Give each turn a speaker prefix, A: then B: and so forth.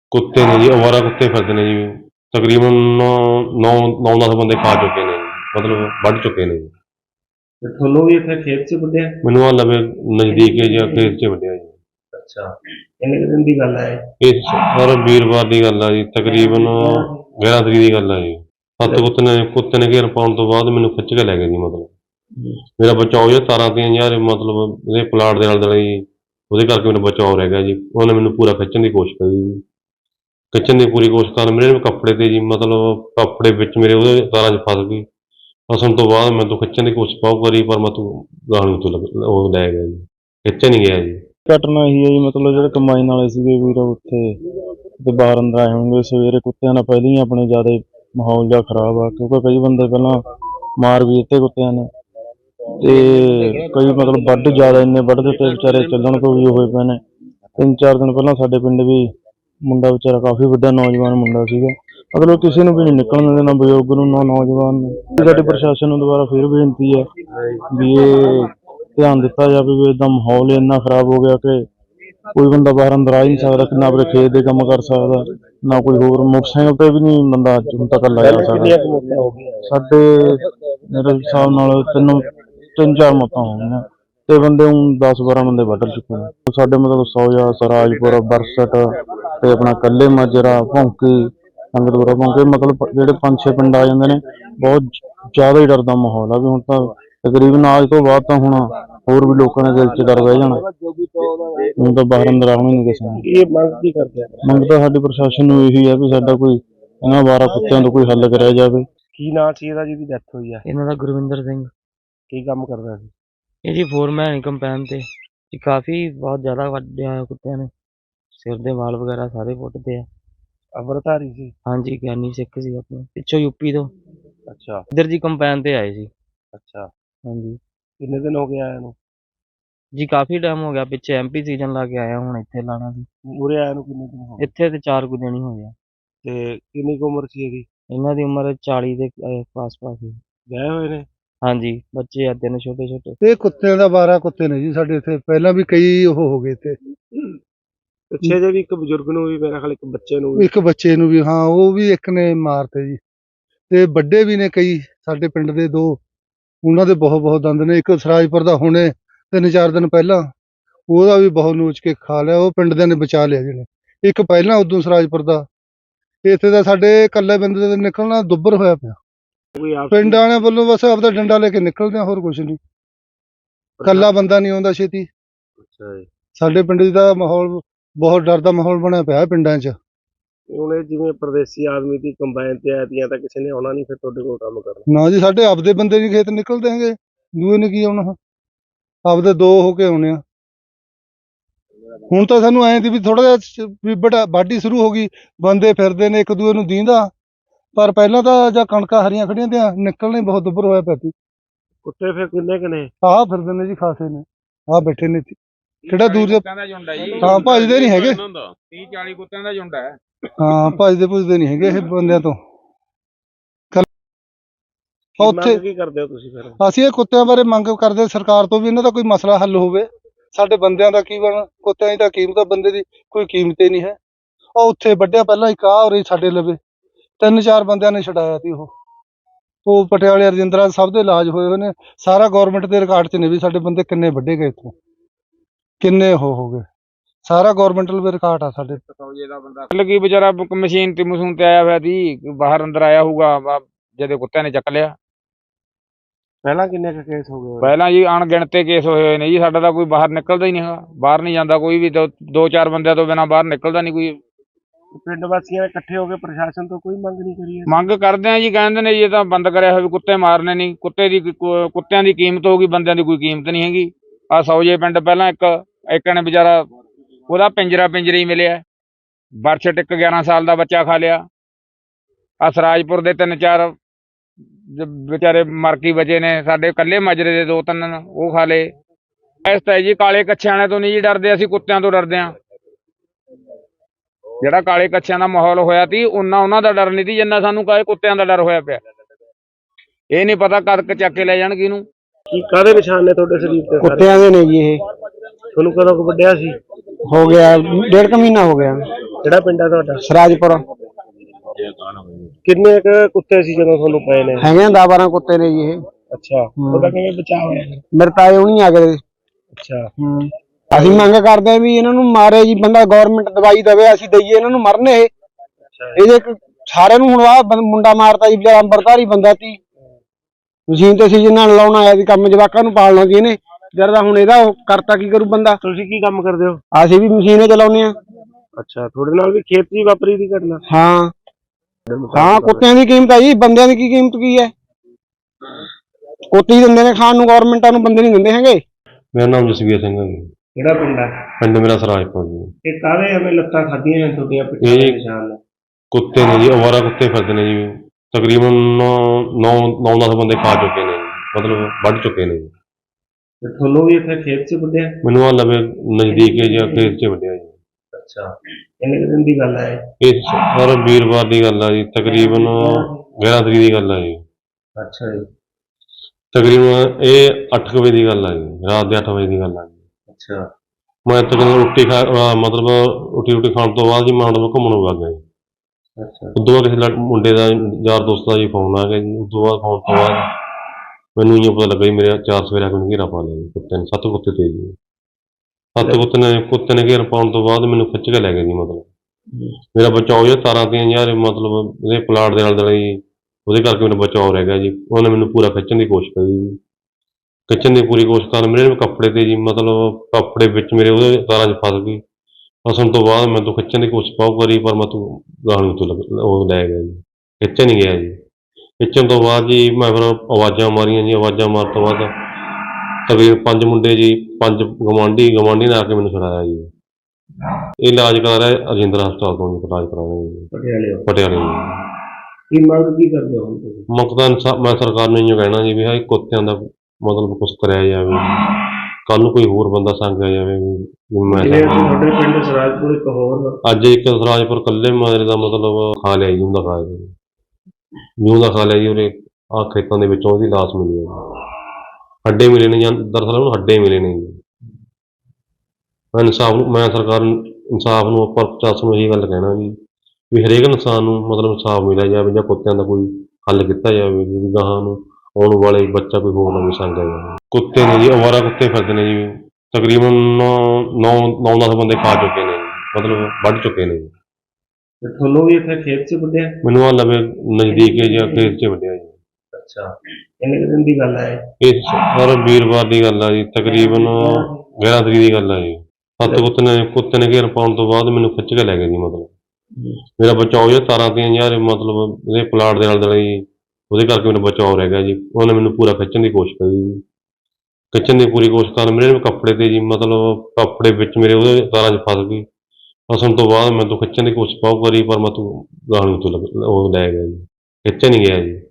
A: ਕੁੱਤੇ ਨੇ ਜੀ, ਅਵਾਰਾ ਕੁੱਤੇ ਫਿਰਦੇ ਨੇ ਜੀ। ਤਕਰੀਬਨ 9-10 ਬੰਦੇ ਖਾ ਚੁੱਕੇ ਨੇ ਜੀ, ਮਤਲਬ ਵੱਢ ਚੁੱਕੇ ਨੇ ਜੀ।
B: ਤੇ ਤੁਹਾਨੂੰ ਵੀ ਇੱਥੇ ਖੇਤ 'ਚ ਵੱਢਿਆ?
A: ਮੈਨੂੰ ਆ ਲਵੇ ਨਜ਼ਦੀਕ ਹੈ ਜੀ, ਖੇਤ 'ਚ ਵੱਢਿਆ ਜੀ।
B: ਅੱਛਾ, ਕਿੰਨੇ ਕੁ ਦਿਨ ਦੀ ਗੱਲ ਹੈ
A: ਇਹ ਸਰ ਵੀਰਵਾਰ ਦੀ ਗੱਲ ਆ ਜੀ, ਤਕਰੀਬਨ 11 ਤਰੀਕ ਦੀ ਗੱਲ ਆ ਜੀ। 7 ਕੁੱਤੇ ਨੇ ਘੇਰ ਪਾਉਣ ਤੋਂ ਬਾਅਦ ਮੈਨੂੰ ਖਿੱਚ ਕੇ ਲੈ ਗਏ ਜੀ। ਮਤਲਬ ਮੇਰਾ ਬਚਾਓ ਜਿਹਾ ਤਾਰਾਂ ਤੀਆਂ ਯਾਰ, ਮਤਲਬ ਉਹਦੇ ਪਲਾਟ ਦੇ ਨਾਲ ਜੀ, ਉਹਦੇ ਕਰਕੇ ਮੈਨੂੰ ਬਚਾਓ ਰਹਿ ਗਿਆ ਜੀ। ਉਹਨੇ ਮੈਨੂੰ ਪੂਰਾ ਖਿੱਚਣ ਦੀ ਕੋਸ਼ਿਸ਼ ਕਰੀ ਜੀ, ਖਿੱਚਣ ਦੀ ਪੂਰੀ ਕੋਸ਼ਿਸ਼ ਕਰਨ ਮੇਰੇ ਕੱਪੜੇ ਤੇ ਜੀ, ਮਤਲਬ ਕੱਪੜੇ ਵਿੱਚ ਮੇਰੇ ਉਹਦੇ ਤਾਰਾਂ 'ਚ ਫਸ ਗਈ। ਫਸਣ ਤੋਂ ਬਾਅਦ ਮੈਂ ਤੋਂ ਖਿੱਚਣ ਦੀ ਕੋਸ਼ਿਸ਼ ਬਹੁਤ ਕਰੀ, ਪਰ ਮੈਂ ਤੋਂ ਗਾਹਾਂ ਤੋਂ ਉਹ ਲੈ ਗਿਆ ਜੀ, ਖਿੱਚ ਨਹੀਂ ਗਿਆ ਜੀ।
C: ਘਟਨਾ ਇਹੀ ਹੈ ਜੀ, ਮਤਲਬ ਜਿਹੜੇ ਕਮਾਈਨ ਵਾਲੇ ਸੀਗੇ ਵੀਰ ਉੱਥੇ ਤੇ ਬਾਹਰ ਅੰਦਰ ਆਏ ਹੋਣਗੇ ਸਵੇਰੇ। ਕੁੱਤਿਆਂ ਨਾਲ ਪਹਿਲਾਂ ਹੀ ਆਪਣੇ ਜ਼ਿਆਦਾ ਮਾਹੌਲ ਜਿਹਾ ਖਰਾਬ ਆ, ਕਿਉਂਕਿ ਕਈ ਬੰਦੇ ਪਹਿਲਾਂ ਮਾਰ ਵੀ ਦਿੱਤੇ ਕੁੱਤਿਆਂ ਨੇ, ਤੇ ਕਈ ਮਤਲਬ ਵੱਢ ਜ਼ਿਆਦਾ ਇੰਨੇ ਵੱਢ ਦਿੱਤੇ ਵਿਚਾਰੇ ਚੱਲਣ ਤੋਂ ਵੀ ਹੋਏ ਪਏ ਨੇ। 3-4 ਦਿਨ ਪਹਿਲਾਂ ਸਾਡੇ ਪਿੰਡ ਵੀ ਮੁੰਡਾ ਵਿਚਾਰਾ ਕਾਫੀ ਵੱਡਾ ਨੌਜਵਾਨ ਮੁੰਡਾ ਸੀਗਾ, ਮਤਲਬ ਕਿਸੇ ਨੂੰ ਵੀ ਨਹੀਂ ਨਿਕਲਣ ਦਿੰਦੇ, ਨਾ ਬਜ਼ੁਰਗ ਨੂੰ ਨਾ ਨੌਜਵਾਨ ਨੂੰ। ਸਾਡੀ ਪ੍ਰਸ਼ਾਸਨ ਨੂੰ ਦੁਬਾਰਾ ਫਿਰ ਬੇਨਤੀ ਹੈ ਵੀ ਇਹ ਧਿਆਨ ਦਿੱਤਾ ਜਾਵੇ ਵੀ ਇਦਾਂ ਮਾਹੌਲ ਇੰਨਾ ਖਰਾਬ ਹੋ ਗਿਆ ਕਿ ਕੋਈ ਬੰਦਾ ਬਾਹਰ ਅੰਦਰ ਆ ਹੀ ਨਹੀਂ ਸਕਦਾ, ਨਾ ਆਪਣੇ ਖੇਤ ਦੇ ਕੰਮ ਕਰ ਸਕਦਾ, ਨਾ ਕੋਈ ਹੋਰ। ਮੋਟਰਸਾਈਕਲ ਤੇ ਵੀ ਨਹੀਂ ਬੰਦਾ ਹੁਣ ਤੱਕ ਲਾਇਆ ਸਕਦਾ। ਸਾਡੇ ਮੇਰੇ ਹਿਸਾਬ ਨਾਲ 3-4 ਮੌਤਾਂ ਹੋ ਗਈਆਂ, ਤੇ ਬੰਦੇ ਹੁਣ 10-12 ਬੰਦੇ ਵੱਢ ਚੁੱਕੇ ਨੇ। ਸਾਡੇ ਮਤਲਬ ਸੌਜਾ, ਸਰਾਜਪੁਰ, ਬਰਸਟ ਤੇ ਆਪਣਾ ਕੱਲੇ ਮਾਜਰਾ, ਭੌਂਕੀ, ਸੰਗਤਪੁਰਾ, ਭੌਂਕੀ, ਮਤਲਬ ਜਿਹੜੇ 5-6 ਪਿੰਡ ਆ ਜਾਂਦੇ ਨੇ। ਬਹੁਤ ਜ਼ਿਆਦਾ ਹੀ ਡਰ ਦਾ ਮਾਹੌਲ ਆ ਵੀ ਹੁਣ ਤਾਂ ਤਕਰੀਬਨ ਅੱਜ ਤੋਂ ਬਾਅਦ ਤਾਂ ਹੁਣ ਹੋਰ ਵੀ ਲੋਕਾਂ ਨੇ ਦਿਲ 'ਚ ਡਰ ਬਹਿ ਜਾਣਾ, ਹੁਣ ਤਾਂ ਬਾਹਰ ਅੰਦਰ ਆਉਣਾ ਹੀ ਨਹੀਂ ਕਿਸੇ ਨੂੰ।
B: ਇਹ ਮੰਗ ਕੀ ਕਰਦੇ ਆ?
C: ਮੰਗ ਤਾਂ ਸਾਡੀ ਪ੍ਰਸ਼ਾਸਨ ਨੂੰ ਇਹੀ ਹੈ ਵੀ ਸਾਡਾ ਕੋਈ ਇਹਨਾਂ ਅਵਾਰਾ ਕੁੱਤਿਆਂ ਦਾ ਕੋਈ ਹੱਲ ਕਰਿਆ ਜਾਵੇ।
B: ਕੀ ਨਾਂ ਸੀ ਇਹਦਾ ਜਿਹਦੀ ਡੈਥ ਹੋਈ ਆ?
D: ਇਹਨਾਂ ਦਾ ਗੁਰਵਿੰਦਰ ਸਿੰਘ।
B: ਕੀ ਕੰਮ ਕਰਦਾ ਸੀ?
D: ਇਹ ਜੀ ਫੋਰਮੈਨ ਕੰਪੈਨ ਤੇ ਜੀ, ਕਾਫੀ ਬਹੁਤ ਜ਼ਿਆਦਾ ਵੱਢਿਆ ਹੋਇਆ ਕੁੱਤਿਆਂ ਨੇ, ਸਿਰ ਦੇ ਵਾਲ ਵਗੈਰਾ ਸਾਰੇ ਪੁੱਟਦੇ ਆ।
B: ਅੰਮ੍ਰਿਤਧਾਰੀ ਸੀ?
D: ਹਾਂਜੀ, ਗਿਆਨੀ ਸਿੱਖ ਸੀ ਆਪਣੇ, ਪਿੱਛੋਂ ਯੂਪੀ ਤੋਂ।
B: ਅੱਛਾ
D: ਇੱਧਰ ਜੀ ਕੰਪੈਨ ਤੇ ਆਏ ਸੀ।
B: ਅੱਛਾ,
D: ਹਾਂਜੀ
B: ਕਿੰਨੇ ਦਿਨ ਹੋ ਗਏ ਆਇਆ ਨੂੰ?
D: ਜੀ, ਕਾਫੀ ਟਾਈਮ ਹੋ ਗਿਆ, ਪਿੱਛੇ ਐਮਪੀ ਸੀਜ਼ਨ ਲਾ ਕੇ ਆਇਆ, ਹੁਣ ਇੱਥੇ ਲਾਣਾ ਸੀ।
B: ਉਰੇ ਆਇਆ ਨੂੰ ਕਿੰਨੇ ਦਿਨ ਹੋ ਗਏ?
D: ਇੱਥੇ ਤੇ 4 ਕੁ ਦਿਨ ਹੀ ਹੋਏ ਆ।
B: ਤੇ ਕਿੰਨੀ ਕੁ ਉਮਰ ਸੀ ਇਹਦੀ?
D: ਇਹਨਾਂ ਦੀ ਉਮਰ 40 ਦੇ ਆਸ-ਪਾਸ ਸੀ।
B: ਗਏ ਹੋਏ ਨੇ?
D: ਹਾਂਜੀ, ਬੱਚੇ ਆ 3 ਛੋਟੇ-ਛੋਟੇ।
E: ਇਹ ਕੁੱਤਿਆਂ ਦਾ 12 ਕੁੱਤੇ ਨੇ ਜੀ ਸਾਡੇ ਇੱਥੇ, ਪਹਿਲਾਂ ਵੀ ਕਈ ਉਹ ਹੋ ਗਏ ਤੇ
B: ਪਿੱਛੇ ਜੇ ਵੀ ਇੱਕ ਬਜ਼ੁਰਗ ਨੂੰ ਵੀ, ਮੇਰਾ ਖਿਆਲ ਇੱਕ ਬੱਚੇ ਨੂੰ ਵੀ।
E: ਇੱਕ ਬੱਚੇ ਨੂੰ ਵੀ, ਹਾਂ ਉਹ ਵੀ ਇੱਕ ਨੇ ਮਾਰਤੇ ਜੀ। ਤੇ ਵੱਡੇ ਵੀ ਨੇ ਕਈ ਸਾਡੇ ਪਿੰਡ ਦੇ 2, ਉਹਨਾਂ ਦੇ ਬਹੁਤ ਦੰਦ ਨੇ। ਇੱਕ ਸਰਾਜਪੁਰ ਦਾ ਹੁਣੇ 3-4 ਦਿਨ ਪਹਿਲਾਂ ਉਹਦਾ ਵੀ ਬਹੁਤ ਨੋਚ ਕੇ ਖਾ ਲਿਆ, ਉਹ ਪਿੰਡ ਦਿਆਂ ਨੇ ਬਚਾ ਲਿਆ ਜਿਹਨੇ। ਇੱਕ ਪਹਿਲਾਂ ਉਦੋਂ ਸਰਾਜਪੁਰ ਦਾ। ਇੱਥੇ ਦਾ ਸਾਡੇ ਇਕੱਲੇ ਬੰਦੇ ਦੇ ਨਿਕਲਣਾ ਦੁੱਬਰ ਹੋਇਆ ਪਿਆ। ਪਿੰਡ ਵਾਲਿਆਂ ਵੱਲੋਂ ਬਸ ਆਪਦਾ ਡੰਡਾ ਲੈ ਕੇ ਨਿਕਲਦੇ ਆ, ਹੋਰ ਕੁਝ ਨਹੀਂ। ਇਕੱਲਾ ਬੰਦਾ ਨਹੀਂ ਆਉਂਦਾ ਛੇਤੀ।
B: ਅੱਛਾ ਜੀ।
E: ਸਾਡੇ ਪਿੰਡ ਦਾ ਮਾਹੌਲ ਬਹੁਤ ਡਰ ਦਾ ਮਾਹੌਲ ਬਣਿਆ ਪਿਆ ਪਿੰਡਾਂ 'ਚ।
B: ਹੁਣ ਇਹ ਜਿਵੇਂ ਪਰਦੇਸੀ ਆਦਮੀ ਦੀ ਕੰਬਾਈਨ ਤੇ ਆਦੀਆਂ ਤਾਂ ਕਿਸੇ ਨੇ ਆਉਣਾ ਨਹੀਂ ਫਿਰ ਤੁਹਾਡੇ ਕੋਲ ਕੰਮ ਕਰਨ?
E: ਨਾ ਜੀ, ਸਾਡੇ ਆਪਦੇ ਬੰਦੇ ਨਹੀਂ ਖੇਤ ਨਿਕਲਦੇ ਹੈਗੇ, ਦੂਏ ਨੇ ਕੀ ਆਉਣਾ। ਆਪਦੇ 2 ਹੋ ਕੇ ਆਉਣੇ ਆ। ਹੁਣ ਤਾਂ ਸਾਨੂੰ ਐਂ ਦੀ ਵੀ ਥੋੜਾ ਜਿਹਾ ਵੀ ਵਾਢੀ ਸ਼ੁਰੂ ਹੋ ਗਈ, ਬੰਦੇ ਫਿਰਦੇ ਨੇ, ਇੱਕ ਦੂਏ ਨੂੰ ਦੀਂਦਾ। ਪਰ ਪਹਿਲਾਂ ਤਾਂ ਜਾਂ ਕਣਕਾਂ ਹਰੀਆਂ ਖੜੀਆਂ ਤੇ ਨਿਕਲਣੇ ਬਹੁਤ ਦੁੱਬਰ ਹੋਇਆ ਪਿਆ ਸੀ।
B: ਕੁੱਤੇ ਫਿਰ ਕਿੰਨੇ ਕੁ ਨੇ?
E: ਆਹ ਫਿਰਦੇ ਨੇ ਜੀ, ਖਾਸੇ ਨੇ, ਆਹ ਬੈਠੇ ਨੇ। ਕਿਹੜਾ ਦੂਰ ਦੇ? ਹਾਂ, ਭੱਜਦੇ ਨਹੀਂ ਹੈਗੇ।
F: 30-40 ਕੁੱਤਿਆਂ ਦਾ ਝੁੰਡ ਹੈ।
E: ਹਾਂ, ਭੱਜਦੇ ਨਹੀਂ ਹੈਗੇ ਇਹ ਬੰਦਿਆਂ ਤੋਂ।
B: ਉੱਥੇ ਕੀ ਕਰਦੇ ਹੋ ਤੁਸੀਂ ਫਿਰ?
E: ਅਸੀਂ ਇਹ ਕੁੱਤਿਆਂ ਬਾਰੇ ਮੰਗ ਕਰਦੇ ਸਰਕਾਰ ਤੋਂ ਵੀ ਇਹਨਾਂ ਦਾ ਕੋਈ ਮਸਲਾ ਹੱਲ ਹੋਵੇ। ਸਾਡੇ ਬੰਦਿਆਂ ਦਾ ਕੀ ਬਣ, ਕੁੱਤਿਆਂ ਦੀ ਤਾਂ ਕੀਮਤ ਆ, ਬੰਦੇ ਦੀ ਕੋਈ ਕੀਮਤ ਹੀ ਨਹੀਂ ਹੈ। ਉਹ ਉੱਥੇ ਵੱਢਿਆ ਪਹਿਲਾਂ ਇੱਕ ਆ ਰਹੀ ਸਾਡੇ ਲਵੇ, 3-4 ਬੰਦਿਆਂ ਨੇ ਛਡਾਇਆ ਸੀ। ਉਹ ਪਟਿਆਲੇ ਰਜਿੰਦਰਾ ਸਭ ਦੇ ਇਲਾਜ ਹੋਏ ਹੋਏ ਨੇ। ਸਾਰਾ ਗੌਰਮੈਂਟ ਦੇ ਰਿਕਾਰਡ 'ਚ ਨੇ ਵੀ ਸਾਡੇ ਬੰਦੇ ਕਿੰਨੇ ਵੱਢੇ ਗਏ ਇੱਥੋਂ, ਕਿੰਨੇ ਹੋ ਗਏ। ਸਾਰਾ ਗੌਰਮੈਂਟਲ ਵੀ ਰਿਕਾਰਡ ਆ ਸਾਡੇ।
F: ਦਾ ਬੰਦਾ ਲੱਗੀ ਵਿਚਾਰਾ ਮਸ਼ੀਨ ਤੇ ਮਸੂਨ ਤੇ ਆਇਆ ਹੋਇਆ ਸੀ, ਬਾਹਰ ਅੰਦਰ ਆਇਆ ਹੋਊਗਾ ਜਦੋਂ ਕੁੱਤਿਆਂ ਨੇ ਚੱਕ ਲਿਆ।
B: ਪਹਿਲਾਂ ਕਿੰਨੇ ਕੁ ਕੇਸ ਹੋ ਗਏ?
F: ਪਹਿਲਾਂ ਜੀ ਅਣਗਿਣਤੇ ਕੇਸ ਹੋਏ ਹੋਏ ਨੇ ਜੀ। ਸਾਡਾ ਤਾਂ ਕੋਈ ਬਾਹਰ ਨਿਕਲਦਾ ਹੀ ਨਹੀਂ ਹੈਗਾ, ਬਾਹਰ ਨਹੀਂ ਜਾਂਦਾ ਕੋਈ ਵੀ। 2-4 ਬੰਦਿਆਂ ਤੋਂ ਬਿਨਾਂ ਬਾਹਰ ਨਿਕਲਦਾ ਨਹੀਂ ਕੋਈ।
B: ਪਿੰਡ ਵਾਸੀਆਂ ਨੇ ਇਕੱਠੇ ਹੋ ਕੇ ਪ੍ਰਸ਼ਾਸਨ ਤੋਂ ਕੋਈ ਮੰਗ ਨਹੀਂ ਕਰੀ?
F: ਮੰਗ ਕਰਦੇ ਆ ਜੀ, ਕਹਿੰਦੇ ਨੇ ਜੀ ਇਹ ਤਾਂ ਬੰਦ ਕਰਿਆ ਹੋਇਆ ਵੀ ਕੁੱਤੇ ਮਾਰਨੇ ਨਹੀਂ। ਕੁੱਤਿਆਂ ਦੀ ਕੀਮਤ ਹੋਊਗੀ, ਬੰਦਿਆਂ ਦੀ ਕੋਈ ਕੀਮਤ ਨਹੀਂ ਹੈਗੀ। ਆਹ ਸੌਜੇ ਪਿੰਡ ਪਹਿਲਾਂ ਇੱਕ ਨੇ ਵਿਚਾਰਾ, ਉਹਦਾ ਪਿੰਜਰੀ ਮਿਲਿਆ, ਬਰਛਟ ਇੱਕ 11 ਸਾਲ ਦਾ ਬੱਚਾ ਖਾ ਲਿਆ। ਆਹ ਸਰਾਜਪੁਰ ਦੇ 3-4 ਵਿਚਾਰੇ ਮਰਕੀ ਬਚੇ ਨੇ। ਸਾਡੇ ਕੱਲੇ ਮਾਜਰੇ ਦੇ 2-3 ਉਹ ਖਾ ਲਏ। ਇਸ ਤਰ੍ਹਾਂ ਜੀ ਕਾਲੇ ਕੱਛਿਆਂ ਵਾਲਿਆਂ ਤੋਂ ਨਹੀਂ ਜੀ ਡਰਦੇ, ਅਸੀਂ ਕੁੱਤਿਆਂ ਤੋਂ ਡਰਦੇ ਹਾਂ। ਜਿਹੜਾ ਕਾਲੇ ਕੱਛਿਆਂ ਦਾ ਮਾਹੌਲ ਹੋਇਆ ਸੀ, ਉਹਨਾਂ ਦਾ ਡਰ ਨਹੀਂ ਸੀ ਜਿੰਨਾ ਸਾਨੂੰ ਕੁੱਤਿਆਂ ਦਾ ਡਰ ਹੋਇਆ ਪਿਆ। ਇਹ ਨਹੀਂ ਪਤਾ ਕਦ ਚੱਕ ਕੇ ਲੈ ਜਾਣਗੇ ਇਹਨੂੰ।
B: ਕੀ ਕਾਹਦੇ ਨਿਸ਼ਾਨ ਨੇ ਤੁਹਾਡੇ ਸਰੀਰ ਤੇ?
C: ਕੁੱਤਿਆਂ ਦੇ ਨੇ ਜੀ ਇਹ।
B: ਤੁਹਾਨੂੰ ਕਦੋਂ ਕੁ ਵੱਢਿਆ ਸੀ?
C: ਹੋ ਗਿਆ 1.5 ਮਹੀਨਾ ਹੋ ਗਿਆ।
B: ਕਿਹੜਾ ਪਿੰਡ ਹੈ ਤੁਹਾਡਾ?
G: ਸਰਾਜਪੁਰ
B: ਕਿੰਨੇ ਕੁ ਕੁੱਤੇ ਸੀ ਜਦੋਂ ਤੁਹਾਨੂੰ ਪਏ ਨੇ?
G: ਹੈਗੇ 10-12 ਕੁੱਤੇ ਨੇ ਜੀ ਇਹ।
B: ਅੱਛਾ, ਉਹਦਾ ਕਿਵੇਂ ਬਚਾਅ ਹੋਇਆ ਫਿਰ?
G: ਮੇਰੇ ਤਾਏ ਉਹ ਨਹੀਂ ਆ ਗਏ।
B: ਅੱਛਾ,
G: ਅਸੀਂ ਮੰਗ ਕਰਦੇ ਆ ਵੀ ਇਹਨਾਂ ਨੂੰ ਮਾਰੇ ਜੀ, ਬੰਦਾ ਗਵਰਨਮੈਂਟ ਦਵਾਈ ਦੇਵੇ, ਅਸੀਂ ਦਈਏ ਇਹਨਾਂ ਨੂੰ ਮਰਨ। ਇਹਦੇ ਸਾਰਿਆਂ ਨੂੰ ਹੁਣ ਆਹ ਮੁੰਡਾ ਮਾਰਤਾ ਜੀ, ਵਿਚਾਰਾ ਅੰਬਰਧਾਰੀ ਬੰਦਾ ਸੀ, ਮਸ਼ੀਨ ਤੇ ਸੀਜ਼ਨ ਨਾਲ ਲਾਉਣ ਆਇਆ ਸੀ, ਕੰਮ ਜਵਾਕਾਂ ਨੂੰ ਪਾਲਣਾ ਸੀ ਇਹਨੇ, ਜਰਦਾ ਹੁਣ ਇਹਦਾ ਉਹ ਕਰਤਾ, ਕੀ ਕਰੂ ਬੰਦਾ।
B: ਤੁਸੀਂ ਕੀ ਕੰਮ ਕਰਦੇ ਹੋ?
G: ਅਸੀਂ ਵੀ ਮਸ਼ੀਨ ਚਲਾਉਂਦੇ ਆ।
B: ਅੱਛਾ, ਤੁਹਾਡੇ ਨਾਲ ਵੀ ਖੇਤ 'ਚ ਹੀ ਵਾਪਰੀ ਦੀ ਘਟਨਾ?
G: ਹਾਂ ਹਾਂ, ਕੁੱਤਿਆਂ ਦੀ ਕੀਮਤ ਹੈ ਜੀ, ਬੰਦਿਆਂ ਦੀ ਕੀ ਕੀਮਤ ਕੀ ਹੈ? ਕੁੱਤੇ ਹੀ ਦਿੰਦੇ ਨੇ ਖਾਣ ਨੂੰ, ਗਵਰਨਮੈਂਟਾਂ ਨੂੰ ਬੰਦੇ ਨਹੀਂ ਦਿੰਦੇ ਹੈਗੇ।
A: ਮੇਰਾ ਨਾਮ ਜਸਵੀਰ ਸਿੰਘ ਹੈ ਜੀ।
B: ਕਿਹੜਾ ਪਿੰਡ ਹੈ?
A: ਪਿੰਡ ਮੇਰਾ ਸਰਾਜਪੁਰ ਜੀ।
B: ਇਹ ਕਾਹਦੇ ਐਵੇਂ ਲੱਤਾਂ ਖਾਧੀਆਂ ਨੇ ਤੁਹਾਡੀਆਂ ਪਿੱਠਾਂ ਦੇ ਨਿਸ਼ਾਨ ਨੇ?
A: ਕੁੱਤੇ ਨੇ ਜੀ, ਅਵਾਰਾ ਕੁੱਤੇ ਫਿਰਦੇ ਨੇ ਜੀ, ਤਕਰੀਬਨ 9-10 ਬੰਦੇ ਖਾ ਚੁੱਕੇ ਨੇ ਜੀ, ਮਤਲਬ ਵੱਢ ਚੁੱਕੇ ਨੇ ਜੀ।
B: ਤੇ ਤੁਹਾਨੂੰ ਵੀ ਇੱਥੇ ਖੇਤ 'ਚ ਵੱਢਿਆ?
A: ਮੈਨੂੰ ਆ ਲਵੇ ਨਜ਼ਦੀਕ ਹੈ ਜਾਂ ਖੇਤ 'ਚ ਵੱਢਿਆ ਜੀ।
B: ਅੱਛਾ, ਕਿੰਨੇ ਕੁ ਦਿਨ ਦੀ ਗੱਲ ਹੈ
A: ਇਹ ਸਰ ਵੀਰਵਾਰ ਦੀ ਗੱਲ ਆ ਜੀ, ਤਕਰੀਬਨ 11 ਤਰੀਕ ਦੀ ਗੱਲ ਆ ਜੀ।
B: ਅੱਛਾ ਜੀ।
A: ਤਕਰੀਬਨ ਇਹ 8 ਵਜੇ ਦੀ ਗੱਲ ਆ ਜੀ, ਰਾਤ ਦੇ 8 ਵਜੇ ਦੀ ਗੱਲ ਆ ਜੀ।
B: ਅੱਛਾ,
A: ਮੈਂ ਤਕਰੀਬਨ ਮਤਲਬ ਰੋਟੀ ਖਾਣ ਤੋਂ ਬਾਅਦ ਜੀ ਮੈਂ ਹੁਣ ਘੁੰਮਣ ਵਗ ਗਿਆ ਜੀ।
B: ਅੱਛਾ,
A: ਉਦੋਂ ਬਾਅਦ ਕਿਸੇ ਮੁੰਡੇ ਦਾ ਯਾਰ ਦੋਸਤ ਦਾ ਜੀ ਫੋਨ ਆ ਗਿਆ ਜੀ। ਉਦੋਂ ਬਾਅਦ ਫੋਨ ਤੋਂ ਬਾਅਦ ਮੈਨੂੰ ਇਹ ਪਤਾ ਲੱਗਾ ਜੀ ਮੇਰੇ 4 ਸਵੇਰੇ ਆ ਕੇ ਘੇਰਾ ਪਾ ਲਿਆ ਜੀ ਕੁੱਤੇ ਨੇ, 7 ਕੁੱਤੇ ਤੇ ਜੀ। 7 ਕੁੱਤੇ ਨੇ ਘੇਰਾ ਪਾਉਣ ਤੋਂ ਬਾਅਦ ਮੈਨੂੰ ਖਿੱਚ ਕੇ ਲੈ ਗਿਆ ਜੀ। ਮਤਲਬ ਮੇਰਾ ਬਚਾਓ ਜਿਹੜਾ ਤਾਰਾਂ ਤੀਆਂ ਯਾਰ, ਮਤਲਬ ਇਹਦੇ ਪਲਾਟ ਦੇ ਨਾਲ ਦੇ ਜੀ, ਉਹਦੇ ਕਰਕੇ ਮੇਰਾ ਬਚਾਓ ਰਹਿ ਗਿਆ ਜੀ। ਉਹਨੇ ਮੈਨੂੰ ਪੂਰਾ ਖਿੱਚਣ ਦੀ ਕੋਸ਼ਿਸ਼ ਕਰੀ ਜੀ, ਖਿੱਚਣ ਦੀ ਪੂਰੀ ਕੋਸ਼ਿਸ਼ ਕਰਨ ਮੇਰੇ ਕੱਪੜੇ ਤੇ ਜੀ, ਮਤਲਬ ਕੱਪੜੇ ਵਿੱਚ ਮੇਰੇ ਉਹਦੇ ਤਾਰਾਂ 'ਚ ਫਸ ਗਈ। ਫਸਣ ਤੋਂ ਬਾਅਦ ਮੈਂ ਤੋਂ ਖਿੱਚਣ ਦੀ ਕੋਸ਼ਿਸ਼ ਬਹੁਤ ਕਰੀ, ਪਰ ਮੈਂ ਤੋਂ ਗਾਹਾਂ ਤੋਂ ਉਹ ਲੈ ਗਿਆ ਜੀ, ਖਿੱਚ ਨਹੀਂ ਗਿਆ ਜੀ। ਖਿੱਚਣ ਤੋਂ ਬਾਅਦ ਜੀ ਮੈਂ ਫਿਰ ਆਵਾਜ਼ਾਂ ਮਾਰੀਆਂ ਜੀ, ਆਵਾਜ਼ਾਂ ਮਾਰਨ ਤੋਂ ਬਾਅਦ ਤਕਰੀਬਨ 5 ਮੁੰਡੇ ਜੀ, 5 ਗਵਾਂਢੀ ਨੇ ਆ ਕੇ ਮੈਨੂੰ ਛੁਡਾਇਆ ਜੀ। ਇਹ ਇਲਾਜ ਕਰਾ ਰਿਹਾ ਰਜਿੰਦਰਾ ਹਸਪਤਾਲ ਤੋਂ ਇਲਾਜ ਕਰਾ ਰਿਹਾ ਜੀ, ਪਟਿਆਲੇ ਜੀ।
B: ਕੀ ਮੰਗ ਕੀ ਕਰਦੇ ਹੋ ਹੁਣ ਤੁਸੀਂ?
A: ਮੁਕਤਾ ਮੈਂ ਸਰਕਾਰ ਨੂੰ ਇਹੋ ਕਹਿਣਾ ਜੀ ਵੀ ਇਹ ਕੁੱਤਿਆਂ ਦਾ ਮਤਲਬ ਕੁਛ ਕਰਿਆ ਜਾਵੇ, ਕੱਲ ਨੂੰ ਕੋਈ ਹੋਰ ਬੰਦਾ ਸੰਗਿਆ ਜਾਵੇ ਵੀ
B: ਜਿਵੇਂ ਤੁਹਾਡੇ ਪਿੰਡ ਸਰਾਜਪੁਰ ਇੱਕ ਹੋਰ
A: ਅੱਜ ਇੱਕ ਸਰਾਜਪੁਰ ਕੱਲੇ ਮਾਰੇ ਦਾ ਮਤਲਬ ਖਾ ਲਿਆ ਜੀ, ਉਹਦਾ ਖਾ ਲਿਆ ਜੂੰ ਦਾ ਖਾ ਲਿਆ ਜੀ। ਉਹਨੇ ਆਹ ਖੇਤਾਂ ਦੇ ਵਿੱਚੋਂ ਉਹਦੀ ਲਾਸ਼ ਮਿਲੀ ਹੈ, ਹੱਡੇ ਮਿਲੇ ਨੇ ਜਾਂ ਦਰਅਸਲ ਉਹਨੂੰ ਹੱਡੇ ਮਿਲੇ ਨੇ ਜੀ। ਮੈਂ ਸਰਕਾਰ ਇਨਸਾਫ ਨੂੰ ਉੱਪਰ ਪ੍ਰਸ਼ਾਸਨ ਨੂੰ ਇਹੀ ਗੱਲ ਕਹਿਣਾ ਜੀ ਵੀ ਹਰੇਕ ਇਨਸਾਨ ਨੂੰ ਮਤਲਬ ਇਨਸਾਫ ਮਿਲਿਆ ਜਾਵੇ, ਜਾਂ ਕੁੱਤਿਆਂ ਦਾ ਕੋਈ ਹੱਲ ਕੀਤਾ ਜਾਵੇ ਜੀ, ਗਾਹਾਂ ਨੂੰ ਆਉਣ ਵਾਲੇ ਬੱਚਾ ਕੋਈ ਹੋਰ ਨਾ ਕੋਈ ਸੰਗਿਆ ਜਾਵੇ। ਕੁੱਤੇ ਨੇ ਜੀ, ਅਵਾਰਾ ਕੁੱਤੇ ਫਿਰਦੇ ਨੇ ਜੀ, ਤਕਰੀਬਨ 9-10 ਬੰਦੇ ਖਾ ਚੁੱਕੇ ਨੇ ਜੀ, ਮਤਲਬ ਵੱਢ ਚੁੱਕੇ ਨੇ ਜੀ।
B: ਤੇ ਤੁਹਾਨੂੰ ਵੀ ਇੱਥੇ ਖੇਤ 'ਚ ਵੱਢਿਆ?
A: ਮੈਨੂੰ ਆ ਲਵੇ ਨਜ਼ਦੀਕ ਹੈ ਜਾਂ ਖੇਤ 'ਚ ਵੱਢਿਆ ਜੀ।
B: ਅੱਛਾ, ਕਿੰਨੇ ਕੁ ਦਿਨ ਦੀ ਗੱਲ ਹੈ
A: ਇਹ ਸਰ ਵੀਰਵਾਰ ਦੀ ਗੱਲ ਆ ਜੀ, ਤਕਰੀਬਨ 11 ਤਰੀਕ ਦੀ ਗੱਲ ਆ ਜੀ। 7 ਕੁੱਤੇ ਨੇ ਘੇਰਾ ਪਾਉਣ ਤੋਂ ਬਾਅਦ ਮੈਨੂੰ ਖਿੱਚ ਕੇ ਲੈ ਗਿਆ ਜੀ। ਮਤਲਬ ਮੇਰਾ ਬਚਾਓ ਜਿਹੜਾ ਤਾਰਾਂ ਤੀਆਂ ਯਾਰ, ਮਤਲਬ ਇਹਦੇ ਪਲਾਟ ਦੇ ਨਾਲ ਦੇ ਜੀ, ਉਹਦੇ ਕਰਕੇ ਮੇਰਾ ਬਚਾਓ ਰਹਿ ਗਿਆ ਜੀ। ਉਹਨੇ ਮੈਨੂੰ ਪੂਰਾ ਖਿੱਚਣ ਦੀ ਕੋਸ਼ਿਸ਼ ਕਰੀ ਜੀ, ਖਿੱਚਣ ਦੀ ਪੂਰੀ ਕੋਸ਼ਿਸ਼ ਕਰਨ ਮੇਰੇ ਕੱਪੜੇ ਤੇ ਜੀ, ਮਤਲਬ ਕੱਪੜੇ ਵਿੱਚ ਮੇਰੇ ਉਹਦੇ ਤਾਰਾਂ 'ਚ ਫਸ ਗਈ। ਫਸਣ ਤੋਂ ਬਾਅਦ ਮੈਂ ਤੋਂ ਖਿੱਚਣ ਦੀ ਕੋਸ਼ਿਸ਼ ਬਹੁਤ ਕਰੀ, ਪਰ ਮੈਂ ਤੋਂ ਗਾਹਾਂ ਤੋਂ ਉਹ ਲੈ ਗਿਆ ਜੀ, ਖਿੱਚ ਨਹੀਂ ਗਿਆ ਜੀ।